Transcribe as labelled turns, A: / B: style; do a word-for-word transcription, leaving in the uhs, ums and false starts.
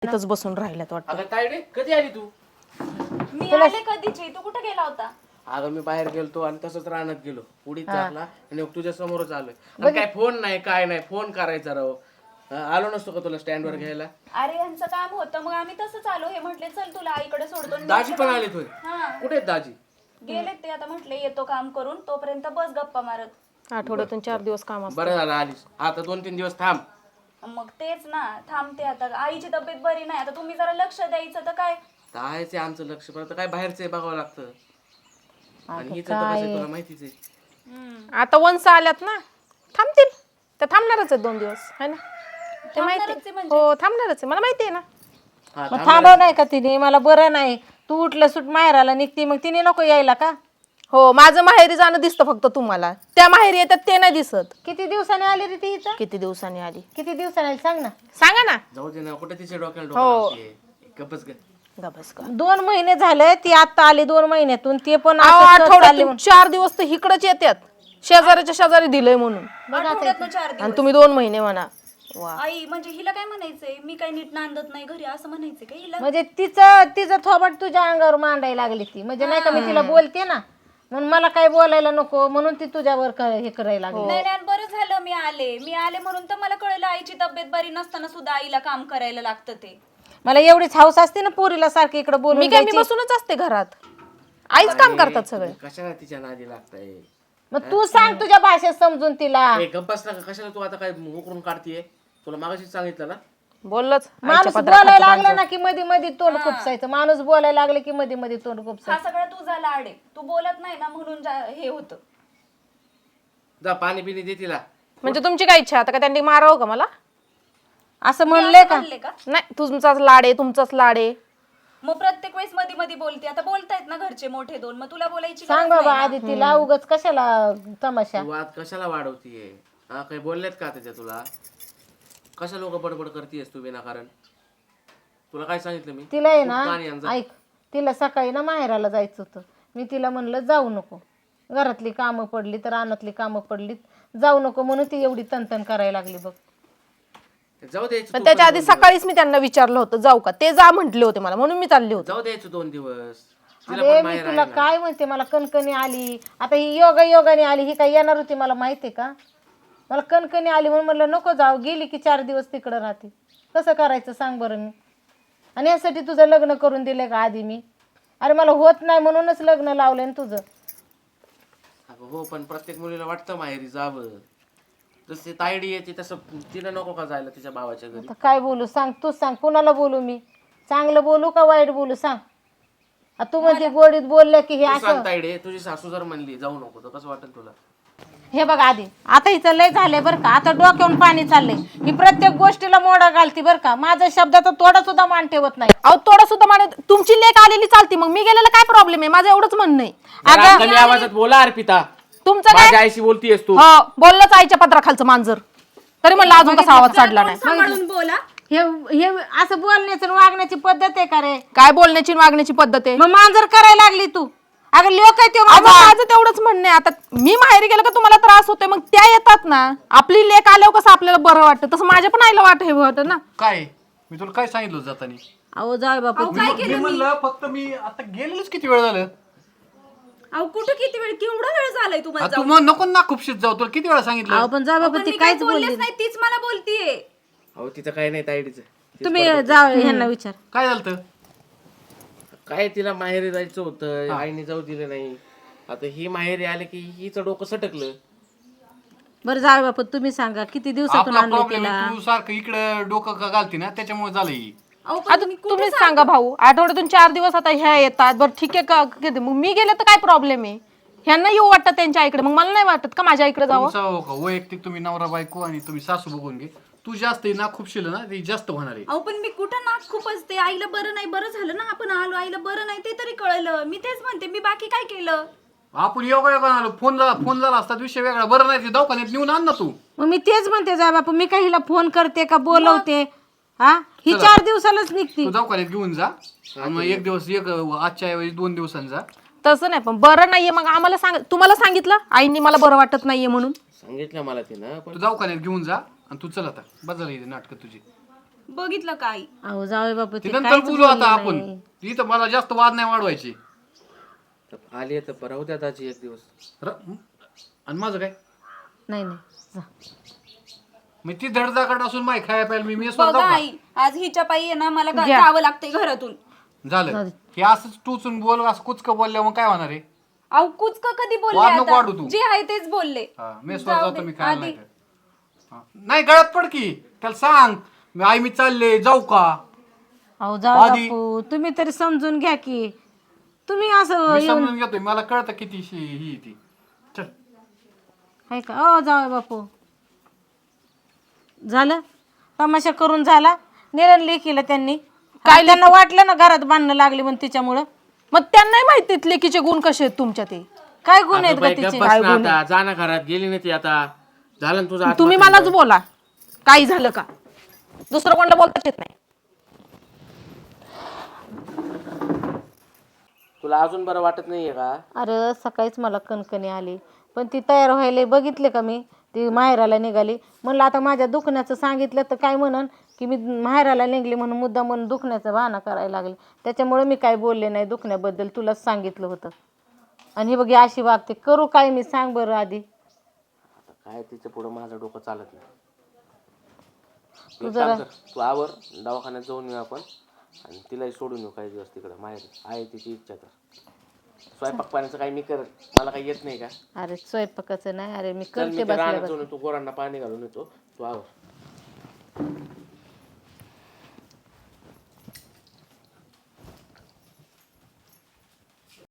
A: इथंच बसून राहिल्यात वाटतं.
B: अगं तायडे कधी आली तू?
C: मी आले कधीची. तू कुठे गेला होता?
B: अगं मी बाहेर गेलतो आणि तसंच रानात गेलो, उडीत झाकला आणि तुझ्या समोरच आलोय. आणि काय फोन नाही काय नाही, फोन करायचा राव. हा, आलो नसतो का तुला स्टँड वर घ्यायला?
C: अरे यांचं काम होतं मग आम्ही तसंच आलो. हे म्हटले चल तुला आईकडे सोडतो. आणि
B: दाजी पण
C: म्हटलं,
B: आले तुझे?
C: हा
B: कुठे आहेत दाजी?
C: गेलेत ते. आता म्हटले येतो काम करून, तोपर्यंत बस गप्पा मारत.
A: आठवड्यातून चार दिवस काम असतं.
B: बरं झालं आलीस. आता दोन तीन दिवस थांब.
C: मग तेच ना, थांबते आता. आईची तब्येत बरी नाही, आता तुम्ही जरा लक्ष द्यायचं. तर काय
B: कायच आहे आमचं लक्ष, पण आता काय बाहेरचं आहे बघावं लागतं. आणि हिचं तर कसं आहे तुला माहितीच आहे.
A: आता वंस आल्यात ना, थांबतील. ते थांबणारच आहेत दोन दिवस है ना, ते माहिती
C: थांबणारच आहे म्हणजे?
A: हो थांबणारच आहे, मला माहिती आहे ना.
B: हा,
D: मग थांबव नाही का तिने? मला बरं नाही, तू उठलं सुट माहेराला निघती, मग तिने नको यायला का?
A: हो माझं माहेरी जाणं दिसतं फक्त तुम्हाला, त्या माहेरी येतात ते नाही दिसत.
D: किती दिवसाने आली रे ती इथं?
A: किती दिवसांनी आली
D: किती दिवसाने आली सांग ना.
A: सांगा ना.
B: जाऊ दे ना, कुठे तिच्या डोक्याला डोकं गपच ग.
A: गबस का.
D: दोन महिने झाले ती आता आली, दोन महिन्यातून. ते पण
A: अहो,
D: असं सहज चालली
A: आठवड्यातून चार दिवस तर इकडच येतात, शेजाऱ्याच्या शेजारी दिलंय म्हणून.
C: आठवड्यातनं चार
A: आणि
C: दिवस.
A: तुम्ही दोन महिने म्हणा. वा
C: आई म्हणजे हिला काय म्हणायचंय? मी काय नीट नांदत नाही घरी असं म्हणायचंय का हिला?
D: म्हणजे तिचं तिचं थोबट तुझ्या अंगावर मांडायला लागली ती. म्हणजे नाही का मी तिला बोलते ना, म्हणून मला काय बोलायला नको म्हणून ती तुझ्यावर क- हे करायला लागली.
C: नाही नाही, बरं झालं मी आले. मी आले म्हणून तर मला कळलं आईची तब्येत बरी नसताना सुद्धा आईला काम करायला लागतं ते.
D: मला एवढीच हौस असते ना पोरीला सारखी इकडे
A: मी
D: बोलून
A: काय मी
D: द्यायची.
A: बसूनच असते घरात, आईच काम करतात सगळे.
B: कशाला तिच्या नादी लागताय?
D: मग तू सांग तुझ्या भाषेत समजून तिला.
B: ए, गप्पास ना, कशाला तू आता काय उकरून काढतीये? तुला मागाशीच सांगितलं ना.
A: बोललंच
D: माणूस बोलायला लागला ना की मध्ये मध्ये तोंड खुपसायचं. माणूस बोलायला लागले की मध्ये मध्ये तोंड खुपसायचं.
C: हा सगळा तुझा लाड आहे. तू बोलत नाही ना म्हणून जा- हे होतं.
B: जा पाणी पिणी दे तिला.
A: म्हणजे तुमची काय इच्छा आता का त्यांनी मारावं का मला?
D: असं म्हणले का?
C: म्हणले का?
A: नाही, तुमचाच लाड आहे, तुमचाच लाड आहे.
C: मग प्रत्येक वेळेस मध्ये मध्ये बोलते. आता बोलतायत ना घरचे मोठे दोन, मग तुला बोलायची
D: सांग
C: गरज
D: बाबा
C: नाही
D: आधी तिला, उगाच कशाला तमाशा.
B: तू वाद कशाला वाढवतीये? हा, काही बोललेत का त्याच्या तुला? कशा लोक बडबड करतीयस तू विनाकारण? तुला काय सांगितलं मी?
D: तिला आहे
B: तू पाणी आण
D: ना,
B: जा.
D: ऐक, तिला सकाळी ना माहेराला जायचं होतं. मी तिला म्हणलं जाऊ नको, घरातली कामं पडली तर रानातली कामं पडलीत, जाऊ नको म्हणून ती एवढी तनतन करायला लागली बघ.
B: जाऊ द्यायचं
A: पण
B: तू
A: त्याच्या
B: पण
A: आधी
B: दोन
A: सकाळीच मी त्यांना विचारलं होतं जाऊ का, ते जा म्हटले होते मला, म्हणून मी चालले होते.
B: दिवस. जाऊ द्यायचं दोन दिवस. तिला
D: अरे
B: पण
D: मी
B: माहेर
D: तुला
B: आहे ना.
D: काय म्हणते, मला कणकणी आली. आता ही योगा योगाने आली, ही काय येणार होती मला माहितीये का? मला कणकणी आली म्हणून म्हणलं नको जाऊ, गेली की चार दिवस तिकडं राहते. कसं करायचं सांग बरं मी? आणि यासाठी तुझं लग्न करून दिलंय का आधी मी? अरे मला होत नाही म्हणूनच लग्न लावलंय ना तुझं.
B: अगं हो, पण प्रत्येक मुलीला वाटतं माहेरी जावं. जसे तायडी येते तसं तिला नको का जायला तिच्या भावाच्या घरी?
D: आता काय बोलू सांग, तूच सांग. कुणाला बोलू मी? चांगलं बोलू का वाईट बोलू सांग? आ, तू म्हणते गोडीत बोललं की हे
B: तू
D: असं.
B: सांग तायडे, तुझी सासू जर म्हणली जाऊ नको तर कसं वाटेल तुला?
D: हे बघ आधी, आता हिचं लय झालंय बरं का, आता डोक्यावरून पाणी चाललंय. ही प्रत्येक गोष्टीला मोडा घालती बरं का. माझ्या शब्दाचा थोडा सुद्धा मान ठेवत नाही.
A: अहो थोडा सुद्धा माने, तुमची लेक आलेली चालती, मग मी गेलेला काय प्रॉब्लेम आहे? माझं एवढंच म्हणणं आहे.
B: जरा कमी आवाजात बोला अर्पिता.
A: तुमचं काय?
B: माझ्या आईशी बोलतीयस तू.
A: हो बोललंच आईच्या पत्राखालचं मांजर, तरी म्हणलं अजून कसा आवाज चढला नाही.
C: सांभाळून बोला.
D: हे हे असं बोलण्याचं आणि वागण्याची पद्धत आहे का रे?
A: काय बोलण्याची आणि वागण्याची पद्धत आहे?
D: मग मांजर करायला लागली तू. अगं लोक आहे ते
A: अहो, माझं तेवढंच म्हणणं आहे. आता मी माहेरी गेलं का तुम्हाला त्रास होतोय, मग त्या येतात ना, आपली लेक आल्यावर कसं आपल्याला बरं वाटतं, तसं माझ्या पण आईला वाट हे होतं ना.
E: काय मी तुला काय सांगितलं होतं जातानी?
D: अहो जाय बापू.
E: मी म्हणलं फक्त मी आता गेलेलोच किती वेळ झालं.
C: अहो कुठं किती वेळ, केवढा वेळ झालाय तुम्हाला?
E: आ, तू मग नको ना खूपशीत जाऊ, तुला किती वेळा सांगितलं.
D: अहो पण जा बाबा,
C: पण
D: ती
C: मी काय
D: काहीच बोलली
C: बोललेच नाही, तीच मला बोलतीये.
B: अहो तिचं काय नाही तायडीचं.
D: तुम्ही जा ह्यांना विचार.
E: काय झालं?
B: काय तिला माहेरी जायचं होतं, आईने जाऊ दिलं नाही. आता ही माहेरी आले की हिचं डोकं सटकलं.
D: बरं जा बापू, तुम्ही सांगा किती दिवसातून
E: आपला
D: आणले
E: प्रॉब्लेम
D: तिला?
E: तू सारखं इकडे डोकं का घालती ना, त्याच्यामुळे झालं ही.
C: अहो पण
A: आता तुम्हीच सांगा भाऊ, आठवड्यातून चार दिवस आता ह्या येतात, बरं ठीक आहे का, किती- मग मी गेले तर काय प्रॉब्लेम आहे? ह्यांना येऊ वाटतं त्यांच्या आईकडे, मग मला नाही वाटत का माझ्या आईकडे जावं?
E: तुमचा हो का वैयक्तिक तुम्ही नवरा बायको आणि तुम्ही सासू बघून घे. तू जास्त ना खूपशील ना, ती जास्त होणार आहे.
C: अहो पण मी कुठं नाक खूप असते. आईला बरं नाही, बरं झालं ना आपण आलो. आईला बरं नाही ते तरी कळलं. मी तेच म्हणते, मी बाकी काय केलं?
E: आपण योगा योगा आलो, फोन झाला फोन झाला असता विषय वेगळा. बरं नाही ते दवाखान्यात नेऊन आण ना तू.
D: मग मी तेच म्हणते जा बापू, मी काही हिला फोन करते का बोलवते? हा, ही चार दिवसालाच निघती.
E: तू दवाखान्यात घेऊन जा. आणि मग एक दिवस एक आजच्या ऐवजी दोन दिवसांनी जा.
A: तसं नाही, पण बरं नाहीये मग आम्हाला सांग, तुम्हाला सांगितलं आईने मला बरं वाटत नाहीये म्हणून?
B: सांगितलं मला तिनं, पण
E: तू दवाखान्यात घेऊन जा आणि तू चल आता. बदल नाटक तुझी.
C: बघितलं का आई?
D: अहो जावे बापू
E: ते
D: ते
E: नंतर
D: काहीच
E: बोलू आता
D: बोलले
E: आपण
D: नाही.
E: इथं मला जास्त वाद नाही वाढवायचे
B: आली तर परवा द्या दाजी एक दिवस.
E: र- आणि माझं काय
D: नाही नाही जा.
E: मी ती धडधाकट असून माय खाया प्यायला मी मेसवर
C: बघा
E: जाऊ का?
C: आई, आज हिच्या पायी आहे ना मला गा- जावं लागतंय घरातून.
E: झालं हे असंच टुचून बोल असं कुचक बोलल्या मग काय होणार आहे
C: अहो कुचक कधी
E: वाद नको
C: बोलले
E: वाढू
C: आता?
E: तू.
C: जे आहे तेच बोलले.
E: हा, मेसवर
C: जाऊ
E: जातो
C: दे,
E: मी खायला
C: आधी.
E: नाही तर. हा. नाही गळ्यात पड की त्याला सांग मी आई मी चालले जाऊ का
D: अहो जावे
E: आधी-
D: बापू तुम्ही तरी समजून घ्या की तुम्ही असं
E: मी
D: येऊन
E: समजून घेतोय मला कळतं किती शी- ही ती चल
D: आहे का अ जावे बापू झालं तमाशा करून झाला निरण लेकीला त्यांनी काय त्यांना वाटलं ना घरात बांधणं लागले म्हणून तिच्यामुळं
A: मग त्यांनाही माहिती लेकीचे गुण कसे आहेत तुमच्या ते.
D: काय गुन्हे आहेत
B: अगं बाई,
D: का
B: गप्प
D: तिचे
B: बस ना आता. जा ना घरात, गेली नाही ती आता. झालं ना तुझं आत्महत्या.
A: तुम्ही मलाच बोला काही झालं का, दुसरं कोणाला बोलताच येत नाही.
B: तुला अजून बरं वाटत नाहीये का?
D: अरे सकाळीच मला कणकणी आली पण ती तयार व्हायला बघितले का मी ती माहेराला निघाली म्हणलं आता माझ्या दुखण्याचं सांगितलं तर काय म्हणन की मी माहेराला निघली म्हणून मुद्दा म्हणून दुखण्याचा बहाणा करायला लागले त्याच्यामुळे मी काय बोलले नाही दुखण्याबद्दल तुलाच सांगितलं होतं आणि हे बघ अशी वागते करू काय मी सांग बरं आधी
B: आता काय तिचं पुढं माझं डोकं चालत नाही.
D: तू
B: एक
D: जरा-
B: काम कर, तू आवर दवाखान्यात जाऊन येऊ आपण आणि तिलाही सोडून येऊ काही दिवस तिकडं माहेर आहे तिची इच्छा तर. स्वयंपाक पाण्याचं काही मी करत, मला काही येत नाही का?
D: अरे स्वयंपाकाचं नाही अरे मी
B: चल
D: करते
B: मी त्या
D: बसल्या
B: रानात
D: बस
B: जाऊन येतो, गोरांना पाणी घालून येतो, तू आवर.